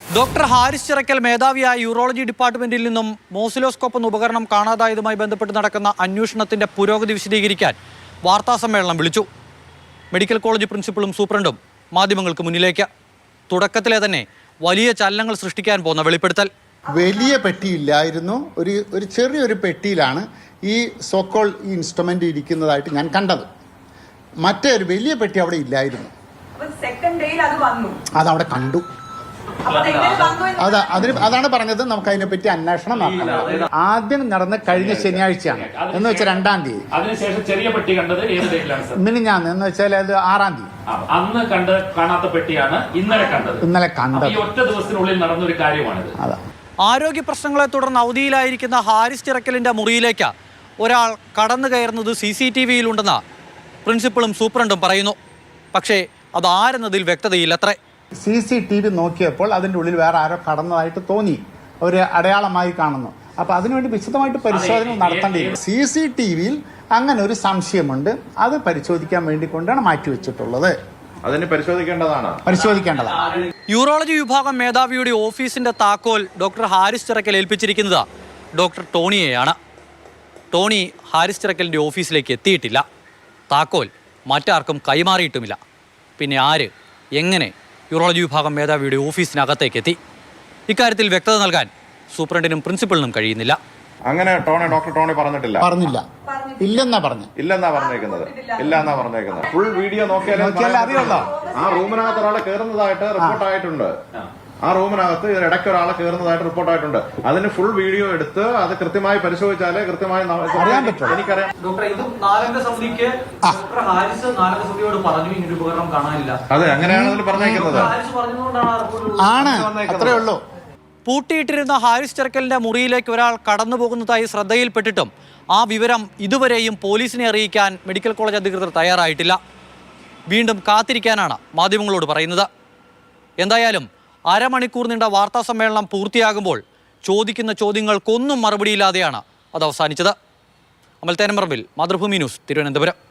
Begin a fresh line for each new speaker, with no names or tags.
Doctor Haris Chirakkal മേധാവിയായ urology ഡിപ്പാർട്ട്മെന്റിൽ നിന്നും മോസിലോസ്കോപ്പ് എന്ന ഉപകരണം കാണാതായതുമായി ബന്ധപ്പെട്ട് നടക്കുന്ന അന്വേഷണത്തിന്റെ പുരോഗതി വിശദീകരിക്കാൻ വാർത്താസമ്മേളനം വിളിച്ചു. മെഡിക്കൽ കോളേജ് പ്രിൻസിപ്പളും സൂപ്രണ്ടും മാധ്യമങ്ങൾക്ക് മുന്നിലേക്ക്. തുടക്കത്തിലെ തന്നെ വലിയ ചലനങ്ങൾ സൃഷ്ടിക്കാൻ പോകുന്ന വെളിപ്പെടുത്തൽ.
വലിയ പെട്ടിയില്ലായിരുന്നു, ഒരു ചെറിയൊരു പെട്ടിയിലാണ് ഈ സോക്കോൾ ഈ ഇൻസ്ട്രുമെന്റ് ഇരിക്കുന്നതായിട്ട് ഞാൻ കണ്ടത്. മറ്റേ ഒരു വലിയ പെട്ടി അവിടെ ഇല്ലായിരുന്നു. അതവിടെ കണ്ടു. അതാണ് പറഞ്ഞത്. നമുക്ക് അതിനെപ്പറ്റി അന്വേഷണം നടത്തണം. ആദ്യം നടന്ന കഴിഞ്ഞ ശനിയാഴ്ചയാണ്, എന്ന് വെച്ചാൽ 2-ാം തീയതി.
അതിനുശേഷം ചെറിയ പെട്ടി കണ്ടത് ഏത് ഡേറ്റിലാണ് സർ?
മിനിഞ്ഞാന്ന്, എന്ന് വെച്ചാൽ അത് 6-ാം തീയതി.
അന്ന് കാണാത്ത പെട്ടിയാണ് ഇന്നലെ കണ്ടത്. ഈ ഒറ്റ ദിവസത്തിനുള്ളിൽ നടന്ന ഒരു കാര്യമാണിത്.
ആരോഗ്യ പ്രശ്നങ്ങളെ തുടർന്ന് അവധിയിലായിരിക്കുന്ന ഹാരിസ് ചിറക്കലിന്റെ മുറിയിലേക്ക് ഒരാൾ കടന്നു കയറുന്നത് CCTVയിലുണ്ടെന്ന് പ്രിൻസിപ്പളും സൂപ്രണ്ടും പറയുന്നു. പക്ഷേ അതാരെന്നതിൽ വ്യക്തതയില്ലത്രേ.
CCTV നോക്കിയപ്പോൾ അതിൻ്റെ ഉള്ളിൽ വേറെ ആരോ കടന്നതായിട്ട് തോന്നി, ഒരു അടയാളമായി കാണുന്നു. അപ്പോൾ അതിനുവേണ്ടി വിശദമായിട്ട് പരിശോധന നടത്തേണ്ടിയിരുന്നു. CCTVയിൽ അങ്ങനെ ഒരു സംശയമുണ്ട്, അത് പരിശോധിക്കാൻ വേണ്ടി കൊണ്ടാണ് മാറ്റിവെച്ചിട്ടുള്ളത്.
അതിന് പരിശോധിക്കേണ്ടതാണ്.
യൂറോളജി വിഭാഗം മേധാവിയുടെ ഓഫീസിന്റെ താക്കോൽ ഡോക്ടർ ഹാരിസ് ചിറക്കൽ ഏൽപ്പിച്ചിരിക്കുന്നത് ഡോക്ടർ ടോണിയെയാണ്. ടോണി ഹാരിസ് ചിറക്കലിന്റെ ഓഫീസിലേക്ക് എത്തിയിട്ടില്ല. താക്കോൽ മറ്റാർക്കും കൈമാറിയിട്ടുമില്ല. പിന്നെ ആര്, എങ്ങനെ യൂറോളജി വിഭാഗം മേധാവിയുടെ ഓഫീസിനകത്തേക്ക് എത്തി? ഇക്കാര്യത്തിൽ വ്യക്തത നൽകാൻ സൂപ്രണ്ടിനും പ്രിൻസിപ്പലിനും കഴിയുന്നില്ല.
അങ്ങനെ ഡോക്ടർ ടോണി പറഞ്ഞിട്ടില്ല.
ഇല്ലെന്നാ പറഞ്ഞേക്കുന്നത്.
ഫുൾ വീഡിയോ നോക്കിയാലേ അറിയുള്ളൂ. ആ റൂമിനകത്ത് ഒരാളെ കയറുന്നതായിട്ട് റിപ്പോർട്ടായിട്ടുണ്ട്. ഇടയ്ക്ക് ഒരാളെ കയറുന്നതായിട്ട് റിപ്പോർട്ടായിട്ടുണ്ട്. അതിന് ഫുൾ വീഡിയോ എടുത്ത് അത് കൃത്യമായി പരിശോധിച്ചാലേ കൃത്യമായി
അറിയാൻ പറ്റും.
എനിക്കറിയാം. അതെ, അങ്ങനെയാണ് അതിൽ പറഞ്ഞേക്കുന്നത്.
ആണ്, അത്രേ ഉള്ളൂ.
പൂട്ടിയിട്ടിരുന്ന ഹാരിസ് ചിറക്കലിന്റെ മുറിയിലേക്ക് ഒരാൾ കടന്നു പോകുന്നതായി ശ്രദ്ധയിൽപ്പെട്ടിട്ടും ആ വിവരം ഇതുവരെയും പോലീസിനെ അറിയിക്കാൻ മെഡിക്കൽ കോളേജ് അധികൃതർ തയ്യാറായിട്ടില്ല. വീണ്ടും കാത്തിരിക്കാനാണ് മാധ്യമങ്ങളോട് പറയുന്നത്. എന്തായാലും അരമണിക്കൂർ നീണ്ട വാർത്താ സമ്മേളനം പൂർത്തിയാകുമ്പോൾ ചോദിക്കുന്ന ചോദ്യങ്ങൾക്കൊന്നും മറുപടിയില്ലാതെയാണ് അത് അവസാനിച്ചത്. അമൽ തേനമ്പറമ്പിൽ, മാതൃഭൂമി ന്യൂസ്, തിരുവനന്തപുരം.